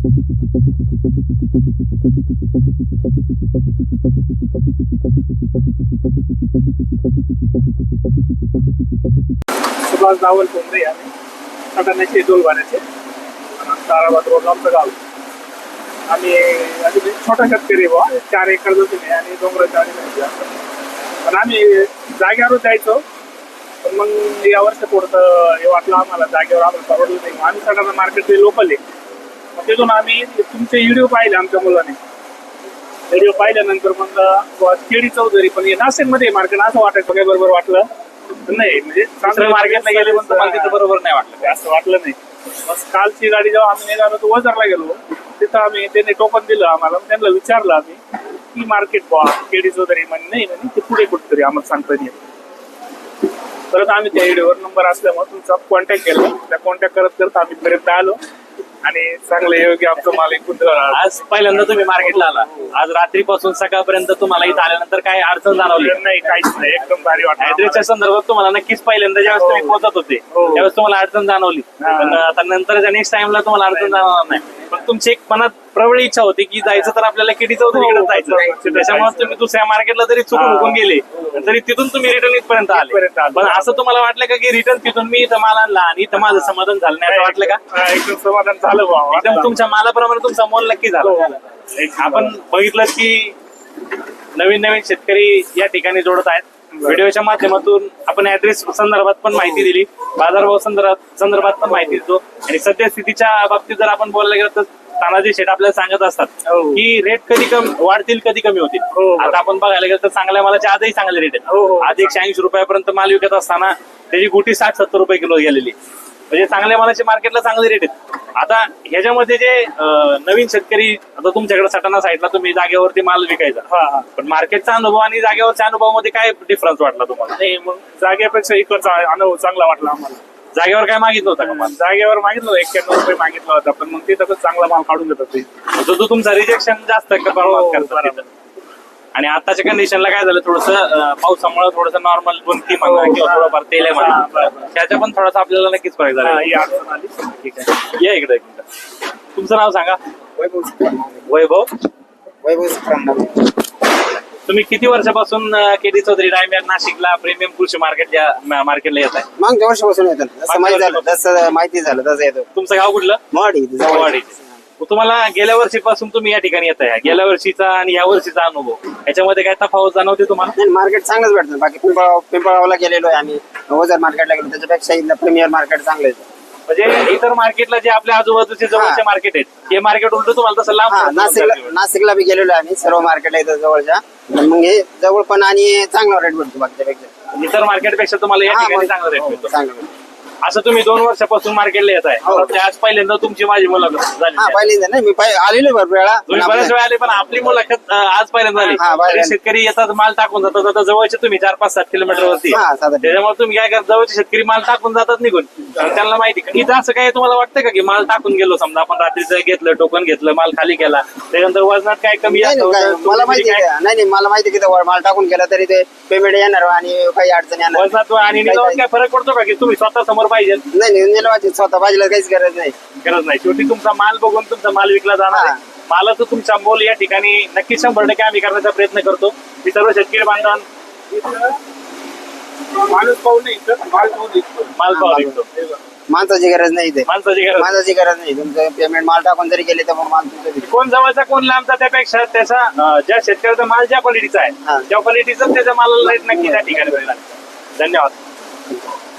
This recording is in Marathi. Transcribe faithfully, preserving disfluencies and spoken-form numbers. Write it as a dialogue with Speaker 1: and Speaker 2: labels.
Speaker 1: सुभाष दावल कोंबडे आम्ही सटाण्याचे डोलवाण्याचे ताराबाद रोड आमचं गाव. आम्ही अगदी छोटा शेतकरी बा, चार एकर जमीन आहे आणि डोंगराच्या आणि पण आम्ही जागेवर जायचो. पण मग या वर्ष थोडंसं हे वाटलं आम्हाला, जागेवर आम्हाला परवडलं नाही. आम्ही सटाणा मार्केट लोकल आहे, मग तिथून आम्ही तुमचे व्हिडिओ पाहिले आमच्या मुलाने. व्हिडिओ पाहिल्यानंतर मग केडी चौधरी पण नाशिकमध्ये मार्केट असं वाटायचं काय बरोबर वाटलं नाही, म्हणजे चांगलं मार्केटला गेले पण तुम्हाला तिथं बरोबर नाही वाटलं, असं वाटलं नाही. मग कालची गाडी जेव्हा आम्ही निघालो तो वजारला गेलो, तिथं आम्ही त्यांनी टोकन दिलं आम्हाला. त्यांना विचारलं आम्ही की मार्केट बॉ केडी चौधरी म्हणे नाही म्हणे ते पुढे कुठेतरी आम्हाला सांगता येईल. परत आम्ही त्या व्हिडिओवर नंबर असल्यामुळे तुमचा कॉन्टॅक्ट केला. त्या कॉन्टॅक्ट करत करत आम्ही पर्यंत आलो आणि चांगलं योग्य आमचं माल एकूण.
Speaker 2: आज पहिल्यांदा तुम्ही मार्केटला आला, आज रात्रीपासून सकाळपर्यंत तुम्हाला इथं आल्यानंतर काय अडचण जाणवली
Speaker 1: नाही? काहीच नाही, एकदम भारी वाटलं.
Speaker 2: ऍड्रेसच्या संदर्भात तुम्हाला नक्कीच पहिल्यांदा ज्यावेळेस तुम्ही पोहोचत होते त्यावेळेस तुम्हाला अडचण जाणवली, पण आता नंतरच्या नेक्स्ट टाइमला तुम्हाला अडचण जाणवणार नाही. पण तुमची एक मनात प्रबळ इच्छा होती की जायचं तर आपल्याला केडी चौधरीकडे जायचं, त्याच्यामुळे तुम्ही दुसऱ्या मार्केटला जरी चुकून हुकून गेले तरी तिथून तुम्ही रिटर्न इथपर्यंत आले. पण असं तुम्हाला वाटलं का की रिटर्न तिथून मी इथं माल आणला आणि इथं माझं समाधान झालं नाही, असं वाटलं का?
Speaker 1: एकदम समाधान झालं बाबा,
Speaker 2: एकदम तुमच्या मालाप्रमाणे तुमचा मोल नक्की झाला. आपण बघितलं की नवीन नवीन शेतकरी या ठिकाणी जोडत आहेत. व्हिडिओच्या माध्यमातून आपण ऍड्रेस संदर्भात पण माहिती दिली, बाजारभाव संदर्भात संदर्भात पण माहिती देतो. आणि सद्यस्थितीच्या बाबतीत जर आपण बोलायला गेलो तर तानाजी शेठ आपल्याला सांगत असतात की रेट कधी कमी वाढतील कधी कमी होतील. आता आपण बघायला गेलो तर चांगल्या मालाचे आजही चांगले रेट आहेत. आज एकशे ऐंशी रुपयापर्यंत माल विकत असताना त्याची गुटी साठ सत्तर रुपये किलो गेलेली, म्हणजे चांगल्या मालाचे मार्केटला चांगले रेट आहेत. आता ह्याच्यामध्ये जे नवीन शेतकरी, आता तुमच्याकडे सटाणा साईडला तुम्ही जागेवरती माल विकायचा, पण मार्केटचा अनुभव आणि जागेवरच्या अनुभवामध्ये काय डिफरन्स वाटला तुम्हाला?
Speaker 1: नाही, मग जागेपेक्षा इकडचा अनुभव चांगला वाटला आम्हाला.
Speaker 2: जागेवर काय मागितलं होतं का माल?
Speaker 1: जागेवर मागितलं होतं एक्क्याण्णव रुपये मागितला होता, पण मग तिथं पण चांगला माल काढून देतात ते.
Speaker 2: तो तो तुमचा रिजेक्शन जास्त करतात. आणि आताच्या कंडिशनला काय झालं, थोडस पावसामुळे थोडस नॉर्मल बुंती म्हणा किंवा थोडंफार तेल आहे म्हणा, त्याच्या पण थोडासा आपल्याला नक्कीच फरक झाला.
Speaker 1: ही अडचण आली.
Speaker 2: ठीक आहे, या इकडे. तुमचं नाव सांगा. वैभव.
Speaker 3: वैभव.
Speaker 2: तुम्ही किती वर्षापासून केडी चौधरी डायमंड नाशिकला प्रीमियम कृषी मार्केट या मार्केटला येत आहे?
Speaker 3: मागच्या वर्षापासून येतो, जसं माहिती झालं जसं माहिती झालं तसं येतो.
Speaker 2: तुमचं गाव कुठलं?
Speaker 3: मवाडी.
Speaker 2: मवाडी. तुम्हाला गेल्या वर्षीपासून तुम्ही या ठिकाणी येत आहे, गेल्या वर्षीचा आणि या वर्षीचा अनुभव याच्यामध्ये काय तफावत जाणवते तुम्हाला?
Speaker 3: मार्केट चांगलंच भेटतं. बाकी पिंपळगाव पिंपळगावला गेलेलो आहे आम्ही, ओझर मार्केटला गेलो, त्याच्यापेक्षा इथलं प्रीमियर मार्केट चांगलं आहे.
Speaker 2: म्हणजे इतर मार्केटला जे आपल्या आजूबाजूचे जवळचे मार्केट आहेत ते मार्केट उलट तुम्हाला तसं लांब.
Speaker 3: नाशिकला नाशिकला बी गेलेलो आहे आम्ही, सर्व मार्केटला इथं जवळच्या. मग हे जवळ पण आणि चांगला रेट भेटतो बाकीच्यापेक्षा.
Speaker 2: इतर मार्केटपेक्षा तुम्हाला या ठिकाणी चांगला रेट भेटतो.
Speaker 3: चांगलं.
Speaker 2: असं तुम्ही दोन वर्षापासून मार्केटला येत आहे, आज पहिल्यांदा तुमची माझी मुलाखत झाली.
Speaker 3: हा, पहिल्यांदा नाही, मी आलेलो भरपूर वेळा,
Speaker 2: तुम्ही बऱ्याच वेळा आले, पण आपली मुलाखत आज पहिल्यांदा झाली. शेतकरी येतात माल टाकून जातात, आता जवळचे तुम्ही चार पाच सात किलोमीटर वरती, त्याच्यामुळे तुम्ही काय करता, जवळचे शेतकरी माल टाकून जातात निघून. त्यांना माहिती इथं असं काय तुम्हाला वाटतं का की माल टाकून गेलो, समजा आपण रात्रीचं घेतलं, टोकन घेतलं, माल खाली केला, त्याच्यानंतर वजनात काय कमी
Speaker 3: मला माहिती नाही नाही मला माहिती की माल टाकून गेला तरी ते पेमेंट येणार आणि काही अडचण येणार.
Speaker 2: वजनात आणि निघावत काय फरक पडतो का की तुम्ही स्वतः समोर पाहिजे?
Speaker 3: नाही, स्वतः भाजीला काहीच गरज नाही.
Speaker 2: गरज नाही. शेवटी तुमचा माल बघून तुमचा माल विकला जाणार आहे. मालाचं तुमचा मोल या ठिकाणी नक्की शंभर टक्के आम्ही करण्याचा प्रयत्न करतो. मी सर्व शेतकरी बांधवांना
Speaker 1: माणूस पाहून नाही, माल पाहून
Speaker 2: माल पाहून विकतो.
Speaker 3: माणसाची गरज नाही इथे,
Speaker 2: माणसाची गरज
Speaker 3: माणसाची गरज नाही. तुमचं पेमेंट माल टाकून जरी गेले तर मग माल तुमचं
Speaker 2: कोण जवळचा कोण लांबचा, त्यापेक्षा त्याचा ज्या शेतकऱ्याचा माल ज्या क्वालिटीचा आहे त्या क्वालिटीचा त्याच्या मालाला रेट नक्की त्या ठिकाणी मिळणार. धन्यवाद.